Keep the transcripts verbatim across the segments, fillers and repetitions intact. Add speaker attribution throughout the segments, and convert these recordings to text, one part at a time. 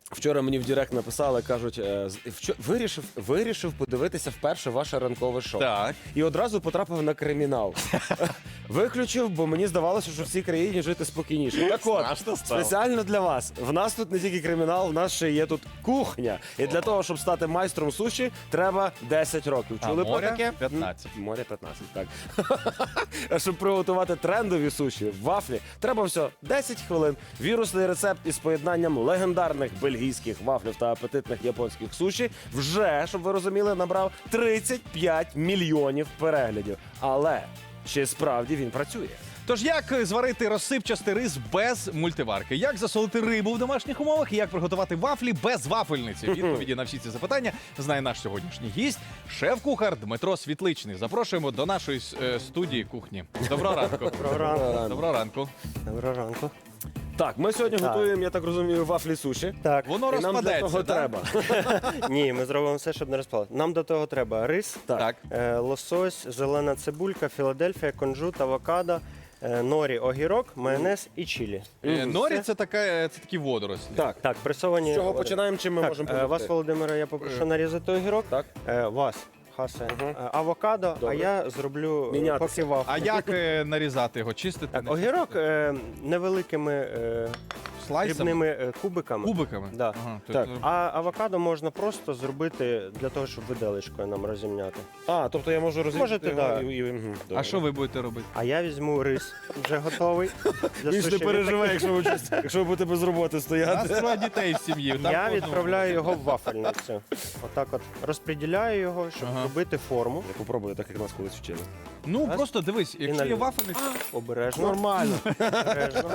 Speaker 1: Вчора мені в Директ написали, кажуть, е, з- вчо- вирішив, вирішив подивитися вперше ваше ранкове шоу.
Speaker 2: Так.
Speaker 1: І одразу потрапив на кримінал. Виключив, бо мені здавалося, що в цій країні жити спокійніше. Так от,
Speaker 2: Страшно стало.
Speaker 1: спеціально для вас. В нас тут не тільки кримінал, в нас ще є тут кухня. І для того, щоб стати майстром суші, треба десять років.
Speaker 2: А
Speaker 1: Чули про
Speaker 2: моря
Speaker 1: таке?
Speaker 2: п'ятнадцять.
Speaker 1: М, Моря п'ятнадцять, так. А щоб приготувати трендові суші, вафлі, треба все десять хвилин. Вірусний рецепт із поєднанням легендарних бельгійських вафлів та апетитних японських суші вже, щоб ви розуміли, набрав тридцять п'ять мільйонів переглядів. Але чи справді він працює?
Speaker 2: Тож як зварити розсипчастий рис без мультиварки? Як засолити рибу в домашніх умовах? І як приготувати вафлі без вафельниці? Відповіді на всі ці запитання знає наш сьогоднішній гість, шеф-кухар Дмитро Світличний. Запрошуємо до нашої е, студії кухні. Доброго ранку.
Speaker 3: Доброго ранку.
Speaker 2: Доброго ранку.
Speaker 3: Доброго ранку.
Speaker 1: Так, ми сьогодні
Speaker 3: Так.
Speaker 1: готуємо, я так розумію, вафлі суші.
Speaker 3: Так,
Speaker 2: Воно
Speaker 1: І нам для
Speaker 2: розпадеться,
Speaker 1: того
Speaker 2: да?
Speaker 1: треба.
Speaker 3: ні, ми зробимо все, щоб не розпало. Нам до того треба рис,
Speaker 2: Так.
Speaker 3: е, лосось, зелена цибулька, Філадельфія, кунжут, авокадо, е, норі, огірок, майонез і чилі.
Speaker 2: Е, Норі
Speaker 3: Все.
Speaker 2: це, така, е, це такі водорослі.
Speaker 1: Так,
Speaker 3: Так, пресовані.
Speaker 1: з чого
Speaker 3: води.
Speaker 1: починаємо, чим ми
Speaker 3: Так,
Speaker 1: можемо
Speaker 3: е,
Speaker 1: допомогти?
Speaker 3: вас, Володимире, я попрошу нарізати огірок.
Speaker 1: Так.
Speaker 3: Е, вас, Хасе, е, авокадо,
Speaker 1: Добре.
Speaker 3: а я зроблю е,
Speaker 1: Мінятися.
Speaker 3: поки вафлю.
Speaker 2: А як е, нарізати його? Чистити?
Speaker 3: Так,
Speaker 2: не
Speaker 3: огірок
Speaker 2: чистити?
Speaker 3: е, невеликими е,
Speaker 2: Слайсами?
Speaker 3: дрібними е, кубиками.
Speaker 2: Кубиками?
Speaker 3: Да.
Speaker 2: Ага,
Speaker 1: Так.
Speaker 2: тобто-
Speaker 3: А авокадо можна просто зробити для того, щоб виделечкою нам розімняти.
Speaker 1: А, тобто я можу розрізати
Speaker 3: Можете,
Speaker 1: його
Speaker 3: да.
Speaker 1: і, і, мгм,
Speaker 2: А
Speaker 1: добре.
Speaker 2: що ви будете робити?
Speaker 3: А я візьму рис вже готовий. Для
Speaker 1: Він ж не
Speaker 3: суші.
Speaker 1: переживе, якщо ви, щось- якщо ви будете без роботи
Speaker 2: У нас
Speaker 1: стояти.
Speaker 2: троє дітей в сім'ї. там
Speaker 3: Я
Speaker 2: по одному.
Speaker 3: відправляю його в вафельницю. Отак от розподіляю його, щоб
Speaker 2: Ага.
Speaker 3: робити форму.
Speaker 1: Я попробую, так як нас колись вчили.
Speaker 2: Ну,
Speaker 3: Раз.
Speaker 2: просто дивись, якщо є
Speaker 3: наліво.
Speaker 2: вафельниця,
Speaker 3: Обережно.
Speaker 1: Нормально.
Speaker 3: Обережно.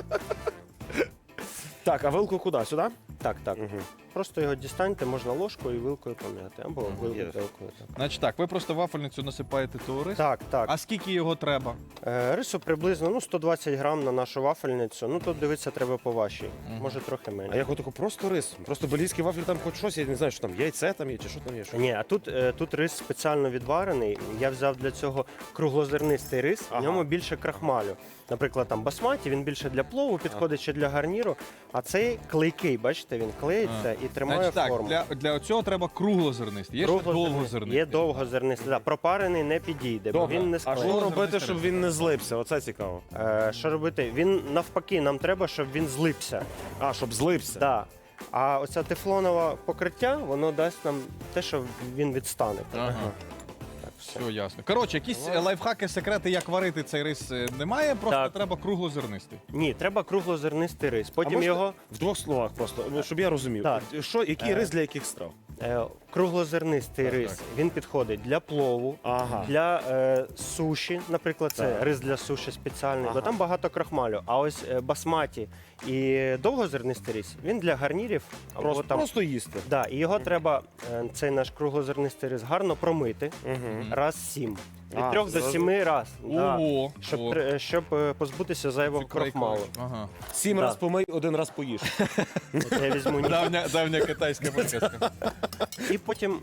Speaker 1: Так, а вилку куди? Сюди?
Speaker 3: Так, так.
Speaker 1: Угу.
Speaker 3: Просто його дістаньте, можна ложкою і вилкою пом'яти. Або
Speaker 1: Ага,
Speaker 3: вилкою
Speaker 1: є.
Speaker 3: вилкою. Так.
Speaker 2: значить так, ви просто вафельницю насипаєте того рису.
Speaker 3: Так, так.
Speaker 2: А скільки його треба?
Speaker 3: Е, Рису приблизно ну, сто двадцять грам на нашу вафельницю. Ну тут дивитися треба по вашій. Може трохи
Speaker 1: А
Speaker 3: менше.
Speaker 1: як отако просто рис? Просто бельгійські вафлі там хоч щось, я не знаю, що там яйце там є, чи що там є. Що?
Speaker 3: Ні, а тут, е, тут рис спеціально відварений. Я взяв для цього круглозернистий рис,
Speaker 1: Ага.
Speaker 3: в ньому більше крахмалю. Наприклад, там басматі, він більше для плову підходить чи для гарніру, а цей клейкий, бачите, він клеїться і тримає
Speaker 2: Значить так,
Speaker 3: форму.
Speaker 2: для, для цього треба круглозернистий. Є ще
Speaker 3: Круглозернистий.
Speaker 2: довгозернистий.
Speaker 3: Є довгозернистий. Да, пропарений не підійде, бо
Speaker 1: Добре.
Speaker 3: він не
Speaker 1: А
Speaker 3: склеїться.
Speaker 1: що робити, щоб він не злився? Оце цікаво.
Speaker 3: Е, що робити? Він навпаки, нам треба, щоб він злипся.
Speaker 1: А, щоб злився.
Speaker 3: Да. А оце тефлонове покриття, воно дасть нам те, що він відстане.
Speaker 2: Ага.
Speaker 3: Так, все.
Speaker 2: Все ясно. Коротше, якісь е, лайфхаки, секрети, як варити цей рис е, немає, просто
Speaker 3: Так.
Speaker 2: треба круглозернистий.
Speaker 3: Ні, треба круглозернистий рис.
Speaker 1: А
Speaker 3: Потім
Speaker 1: можна
Speaker 3: його
Speaker 1: в двох словах просто, ну, щоб я розумів.
Speaker 3: Так.
Speaker 1: Що, який
Speaker 3: Е.
Speaker 1: рис для яких страв?
Speaker 3: е, круглозернистий
Speaker 2: Так,
Speaker 3: рис.
Speaker 2: так.
Speaker 3: Він підходить для плову,
Speaker 1: Ага.
Speaker 3: для е, суші. Наприклад, це
Speaker 1: Так.
Speaker 3: рис для суші спеціальний,
Speaker 1: Ага.
Speaker 3: бо там багато крахмалю. А ось е, басматі і довгозернистий рис, він для гарнірів або
Speaker 1: Просто,
Speaker 3: там.
Speaker 1: просто їсти.
Speaker 3: Да, і його треба, е, цей наш круглозернистий рис, гарно промити
Speaker 1: Угу.
Speaker 3: раз сім. Від
Speaker 1: А,
Speaker 3: трьох до
Speaker 1: зразу.
Speaker 3: сіми раз. Да.
Speaker 2: Ого,
Speaker 3: Щоб,
Speaker 2: о,
Speaker 3: тр- щоб е, позбутися зайвого
Speaker 2: це край-
Speaker 3: крахмалу.
Speaker 2: Ага.
Speaker 1: Сім
Speaker 3: Да.
Speaker 1: раз помий, один раз поїж.
Speaker 3: От я візьму ні-
Speaker 2: Давня, давня китайська приказка.
Speaker 3: І потім,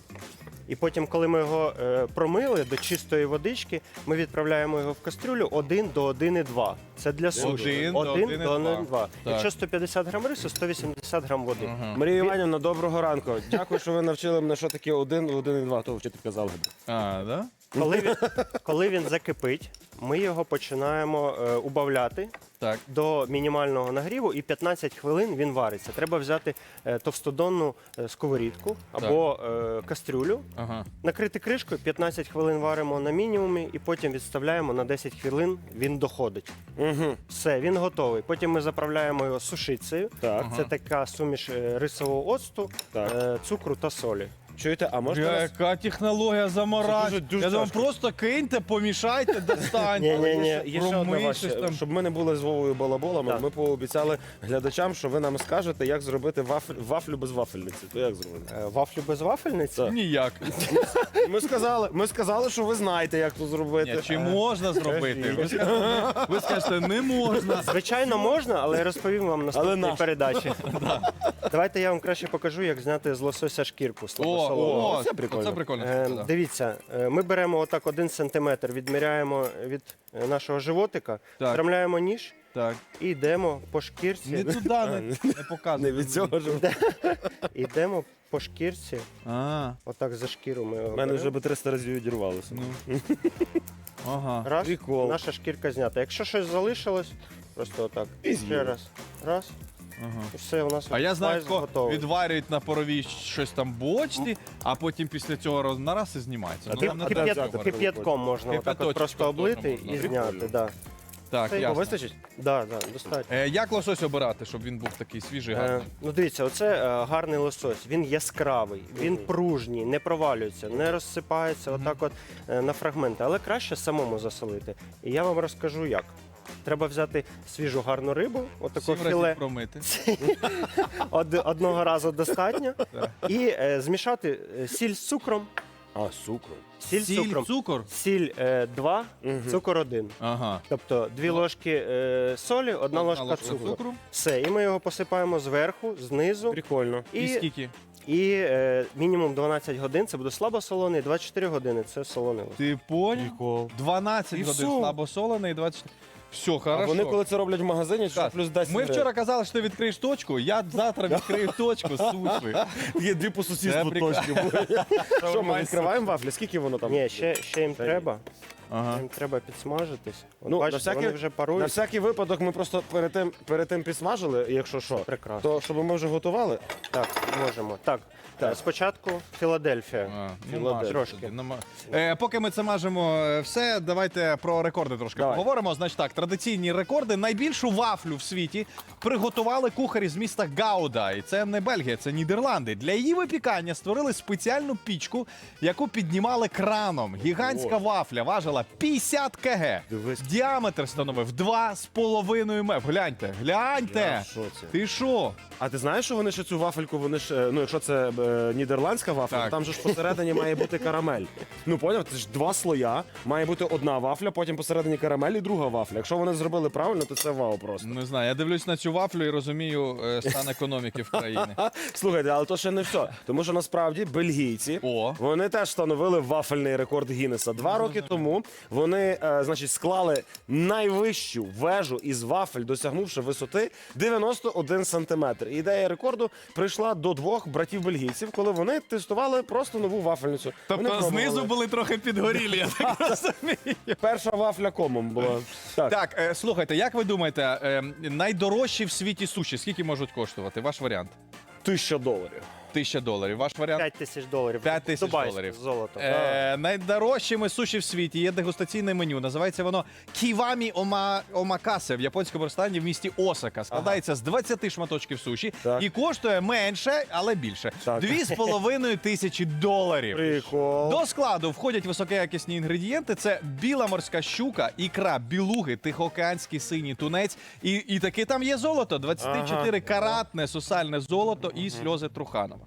Speaker 3: і потім, коли ми його е, промили до чистої водички, ми відправляємо його в кастрюлю один до один і два. Це для суші.
Speaker 2: Один до один і два.
Speaker 3: один і два.
Speaker 2: Так.
Speaker 3: Якщо сто п'ятдесят грам рису, сто вісімдесят грам води.
Speaker 2: Ага.
Speaker 1: Марія Іванівна, доброго ранку. Дякую, що ви навчили мене, що таке один, один і два. То вчителька залгоди.
Speaker 2: А, да?
Speaker 3: Коли він, коли він закипить, ми його починаємо е, убавляти
Speaker 2: Так.
Speaker 3: до мінімального нагріву, і п'ятнадцять хвилин він вариться. Треба взяти е, товстодонну е, сковорідку або е, кастрюлю,
Speaker 2: Ага.
Speaker 3: накрити кришкою, п'ятнадцять хвилин варимо на мінімумі і потім відставляємо на десять хвилин, він доходить.
Speaker 1: Угу.
Speaker 3: Все, він готовий. Потім ми заправляємо його сушицею.
Speaker 1: Так.
Speaker 3: Це така суміш е, рисового оцту,
Speaker 1: Так.
Speaker 3: е, цукру та солі.
Speaker 1: Чуєте, а можна
Speaker 2: Бля,
Speaker 1: нас...
Speaker 2: яка технологія заморать.
Speaker 1: Це дуже- дуже
Speaker 2: Я думаю,
Speaker 1: тяжко.
Speaker 2: просто киньте, помішайте, достаньте.
Speaker 3: Ні, ні, ні.
Speaker 1: Є ще одне
Speaker 2: Промий
Speaker 1: ваше,
Speaker 2: щось там.
Speaker 1: щоб ми не були з Вовою балаболами,
Speaker 3: Так.
Speaker 1: ми пообіцяли глядачам, що ви нам скажете, як зробити вафлю, вафлю без вафельниці. То як зробити?
Speaker 3: Е, Вафлю без вафельниці?
Speaker 1: Так.
Speaker 2: Ніяк.
Speaker 1: Ми сказали, ми сказали, що ви знаєте, як це зробити.
Speaker 2: Ні, чи можна зробити? Ви скажете, ви скажете, не можна.
Speaker 3: Звичайно, можна, але я розповім вам
Speaker 1: Але
Speaker 3: наступній
Speaker 1: нащо?
Speaker 3: передачі. Давайте я вам краще покажу, як зняти з лосося шкірку
Speaker 2: О,
Speaker 3: слабосолону.
Speaker 2: о,
Speaker 1: це прикольно.
Speaker 2: Це прикольно.
Speaker 3: Е,
Speaker 2: да.
Speaker 3: Дивіться, е, ми беремо отак один сантиметр, відміряємо від е, нашого животика,
Speaker 2: Так.
Speaker 3: встромляємо ніж
Speaker 2: Так.
Speaker 3: І йдемо по шкірці.
Speaker 2: Не туди, не, не показуй.
Speaker 1: Не від цього ж.
Speaker 3: Йдемо по шкірці.
Speaker 2: А,
Speaker 3: Отак за шкіру ми його
Speaker 1: У мене
Speaker 3: беремо.
Speaker 1: вже би триста разів відірвалося.
Speaker 2: ну. Ага.
Speaker 3: Раз,
Speaker 1: Прикол.
Speaker 3: наша шкірка знята. Якщо щось залишилось, просто отак.
Speaker 1: І
Speaker 3: Ще
Speaker 1: з'їли.
Speaker 3: раз. Раз.
Speaker 2: Ага.
Speaker 3: І все, у нас
Speaker 2: А я знаю,
Speaker 3: слайс
Speaker 2: хто
Speaker 3: готовий.
Speaker 2: відварюють на паровій щось там бочці, а потім після цього роз- нараз і знімається.
Speaker 1: А
Speaker 2: Ну,
Speaker 1: ти-
Speaker 2: нам не
Speaker 1: а
Speaker 2: треба
Speaker 1: ти-
Speaker 3: Кип'ят-
Speaker 2: цього.
Speaker 1: ти-
Speaker 3: Кип'ятком можна отак
Speaker 2: Кип'яточком
Speaker 3: от просто
Speaker 2: теж
Speaker 3: облити
Speaker 2: можна.
Speaker 3: і
Speaker 1: Прикольно.
Speaker 3: зняти. Да.
Speaker 2: Так,
Speaker 3: Це
Speaker 2: ясно.
Speaker 1: Вистачить?
Speaker 3: Да, да, достатньо.
Speaker 2: Е, як лосось обирати, щоб він був такий свіжий,
Speaker 3: Е,
Speaker 2: гарний?
Speaker 3: ну дивіться, оце е, гарний лосось. Він яскравий, він пружній, не провалюється, не розсипається отак от е, на фрагменти. Але краще самому засолити. І я вам розкажу як. Треба взяти свіжу гарну рибу, отаку
Speaker 2: Сім разів
Speaker 3: філе.
Speaker 2: промити.
Speaker 3: Од- одного разу достатньо.
Speaker 2: Так.
Speaker 3: І е, змішати е, сіль з цукром.
Speaker 1: А, цукру.
Speaker 3: Сіль з цукром.
Speaker 2: цукор?
Speaker 3: Сіль е, два,
Speaker 1: Мгм.
Speaker 3: цукор один.
Speaker 2: Ага.
Speaker 3: Тобто дві ложки е, солі, одна ложка цукру. Все, і ми його посипаємо зверху, знизу.
Speaker 1: Прикольно.
Speaker 2: І,
Speaker 3: І,
Speaker 2: скільки?
Speaker 3: і е, мінімум дванадцять годин це буде слабосолоний, двадцять чотири години це солоний лосось.
Speaker 2: Ти поняв?
Speaker 1: Прикол.
Speaker 2: дванадцять
Speaker 1: І
Speaker 2: годин
Speaker 1: все.
Speaker 2: слабосолений, двадцять. Все,
Speaker 1: А
Speaker 2: хорошо.
Speaker 1: вони коли це роблять в магазині, що
Speaker 2: Так,
Speaker 1: плюс десять.
Speaker 2: Ми вчора казали, що ти відкриєш точку, я завтра відкрию точку суші.
Speaker 1: Є дві по
Speaker 2: Це
Speaker 1: сусідству
Speaker 2: прикольно.
Speaker 1: точки. Що, ми відкриваємо вафлі? Скільки воно там?
Speaker 3: Ні, ще, ще їм
Speaker 1: Та
Speaker 3: треба.
Speaker 2: Ага.
Speaker 3: Їм треба підсмажитись. От
Speaker 1: Ну,
Speaker 3: бачите,
Speaker 1: на всякий-
Speaker 3: вони вже
Speaker 1: На
Speaker 3: парують.
Speaker 1: всякий випадок ми просто перед тим, перед тим підсмажили, якщо що,
Speaker 3: Прекрасно.
Speaker 1: то щоб ми вже готували.
Speaker 3: Так, можемо. Так,
Speaker 1: Так.
Speaker 3: е, спочатку Філадельфія.
Speaker 2: А, ну,
Speaker 1: Філадельфія.
Speaker 2: мажемо
Speaker 3: Трошки.
Speaker 2: тоді, нама- Е, поки ми це мажемо е, все, давайте про рекорди трошки
Speaker 1: Давай.
Speaker 2: поговоримо. Значить так, традиційні рекорди. Найбільшу вафлю в світі приготували кухарі з міста Гауда. І це не Бельгія, це Нідерланди. Для її випікання створили спеціальну пічку, яку піднімали краном. Гігантська
Speaker 1: О.
Speaker 2: вафля важила п'ятдесят кілограмів.
Speaker 1: Дивись.
Speaker 2: Діаметр становив два з половиною метри. Гляньте, гляньте.
Speaker 1: Я в шоці.
Speaker 2: Ти що?
Speaker 1: А ти знаєш, що вони ще цю вафельку, вони ж, е, ну якщо це е, нідерландська вафля,
Speaker 2: Так.
Speaker 1: то там же ж посередині має бути карамель. Ну поняв, це ж два слоя, має бути одна вафля, потім посередині карамель і друга вафля. Якщо вони зробили правильно, то це вау просто.
Speaker 2: Не знаю, я дивлюсь на цю вафлю і розумію е, стан економіки в країні.
Speaker 1: Слухайте, але то ще не все. Тому що насправді бельгійці
Speaker 2: О.
Speaker 1: вони теж встановили вафельний рекорд Гіннеса. Два роки тому вони, е, значить, склали найвищу вежу із вафель, досягнувши висоти дев'яносто один сантиметр. І ідея рекорду прийшла до двох братів бельгійців, коли вони тестували просто нову вафельницю. Вони
Speaker 2: Тобто
Speaker 1: пробували.
Speaker 2: знизу були трохи підгорілі, я так розумію.
Speaker 1: Перша вафля комом була. Так.
Speaker 2: Так, е, слухайте, як ви думаєте, е, найдорожчі в світі суші, скільки можуть коштувати? Ваш варіант?
Speaker 1: Тисяча доларів.
Speaker 2: Тисяча доларів. Ваш варіант?
Speaker 3: п'ять тисяч доларів.
Speaker 2: П'ять тисяч
Speaker 3: Дубайське
Speaker 2: доларів.
Speaker 3: золото.
Speaker 2: Е, найдорожчими суші в світі є дегустаційне меню. Називається воно Ківамі Ома... Омакасе в японському ресторані в місті Осака. Складається з двадцяти шматочків суші
Speaker 1: Так.
Speaker 2: і коштує менше, але більше.
Speaker 1: Так.
Speaker 2: Дві з половиною тисячі доларів.
Speaker 1: Прикол.
Speaker 2: До складу входять високоякісні інгредієнти: це біла морська щука, ікра, білуги, тихоокеанський синій тунець. І, і таки там є золото: двадцять чотири каратне сусальне золото і сльози Труханова.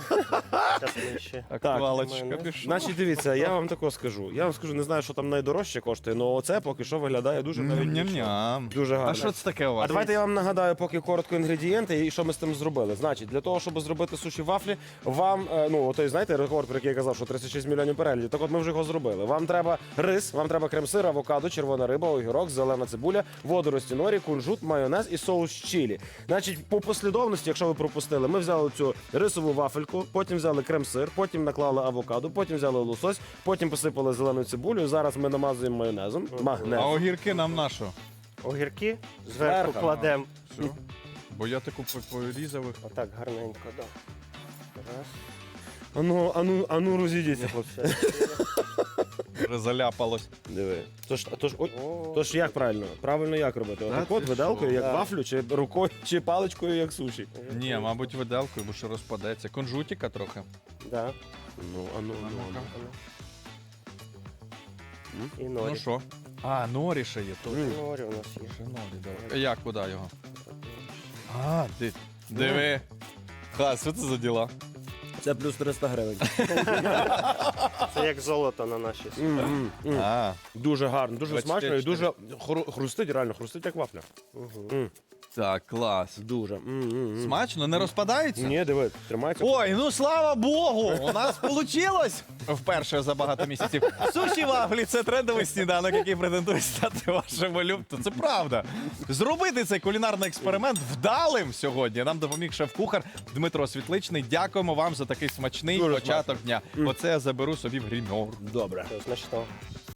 Speaker 3: Щас ми ще.
Speaker 2: Актуалочка
Speaker 3: мене.
Speaker 2: пішла.
Speaker 1: Значить, дивіться, я вам тако скажу. Я вам скажу, не знаю, що там найдорожче коштує, але оце поки що виглядає дуже навіть нічого.
Speaker 2: Ням-ням.
Speaker 1: Дуже гарно.
Speaker 2: А що це таке у вас?
Speaker 1: А давайте я вам нагадаю, поки коротко інгредієнти і що ми з тим зробили. Значить, для того, щоб зробити суші вафлі, вам, е, ну, той, знаєте, рекорд, про який я казав, що тридцять шість мільйонів переглядів, так от ми вже його зробили. Вам треба рис, вам треба крем-сир, авокадо, червона риба, огірок, зелена цибуля, водорості норі, кунжут, майонез і соус чилі. Значить, по послідовності, якщо ви пропустили, ми взяли цю рисову вафельку, потім взяли крем-сир, потім наклали авокадо, потім взяли лосось, потім посипали зеленою цибулею. Зараз ми намазуємо майонезом. Магнез.
Speaker 2: А огірки нам на що?
Speaker 3: Огірки зверху
Speaker 1: Зверху.
Speaker 3: кладемо.
Speaker 2: Все. Бо я таку по- порізав їх.
Speaker 3: Отак гарненько, да. Раз.
Speaker 1: Ану, ану, ану, розійдіться, хлопці.
Speaker 2: Вже заляпалось.
Speaker 1: Диви. Тож, тож, ой,
Speaker 3: О,
Speaker 1: тож як правильно? Правильно як робити?
Speaker 2: Та
Speaker 1: Отак от
Speaker 2: ти
Speaker 1: виделкою,
Speaker 2: що?
Speaker 1: як
Speaker 3: Да.
Speaker 1: вафлю, чи рукою, чи паличкою, як суші.
Speaker 2: Ні, мабуть, виделкою, бо що розпадеться. Конжутіка трохи.
Speaker 3: Да.
Speaker 1: Ну, ану,
Speaker 2: А
Speaker 1: ану,
Speaker 2: ну-ка.
Speaker 1: ану.
Speaker 3: І
Speaker 2: Ну
Speaker 3: норі.
Speaker 2: що? А, норі ще є. То.
Speaker 1: М.
Speaker 3: Норі у нас є.
Speaker 2: Ще норі, добре. Як, куди його? А, ди... диви. Ха, що це за діла?
Speaker 1: Це плюс триста гривень.
Speaker 3: Це як золото на нашій суші.
Speaker 1: М, м, м.
Speaker 2: А,
Speaker 1: Дуже гарно, дуже
Speaker 2: двадцять
Speaker 1: смачно і
Speaker 2: чотири.
Speaker 1: дуже хру- хрустить, реально хрустить, як вафля.
Speaker 3: Угу.
Speaker 1: М.
Speaker 2: Так, клас.
Speaker 1: Дуже. М-м-м.
Speaker 2: Смачно, не розпадається?
Speaker 1: Ні, диви, тримається.
Speaker 2: Ой, ну слава Богу! У нас вийшло вперше за багато місяців. Суші вафлі це трендовий сніданок, який претендує стати вашим улюбленим. Це правда. Зробити цей кулінарний експеримент вдалим сьогодні нам допоміг шеф-кухар Дмитро Світличний. Дякуємо вам за такий смачний
Speaker 1: Дуже
Speaker 2: початок дня. Оце я заберу собі в гримьор.
Speaker 1: Добре.
Speaker 3: Смачно.